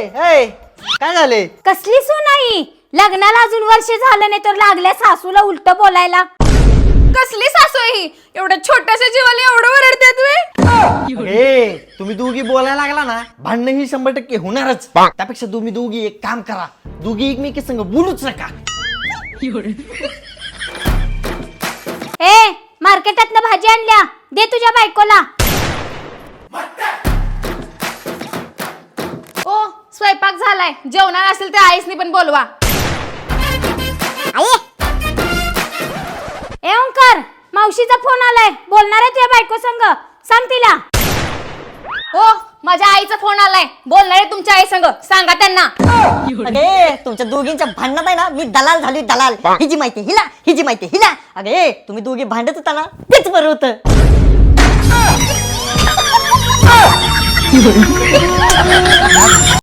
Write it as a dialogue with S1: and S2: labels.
S1: ए काय झाले?
S2: कसली सून लग्नाला अजून वर्ष झालं नाही तर लागल्या सासूला उलट बोलायला.
S3: कसली सासू ही एवढ्या छोट्याशा जीवाला एवढं ओरडते तुम्ही?
S1: ए तुम्ही दोघी बोलायला लागला ना भांडण ही 100% होणारच. त्यापेक्षा तुम्ही दोघी एक काम करा, दोघी एकमेकी संग बोलूच नका.
S2: ए मार्केटातनं भाजी आणल्या दे तुझ्या बायकोला.
S3: ओ स्वयंपाक झालाय, जेवणार असेल तर आईसनी पण बोलवा.
S2: ए ओंकार मावशीचा फोन आलाय, बोलणार आहे तुझ्या बायको संग, सांग तिला.
S3: हो माझ्या आईचा फोन आलाय, बोलणार आहे तुमच्या आई संग, सांगा त्यांना.
S4: अगे तुमच्या दोघींच्या भांडणात आहे ना मी दलाल झाली दलाल. हिची माहिती हिला, हिची माहिती हिला. अगे तुम्ही दोघी भांडत होता ना तेच बरं होतं.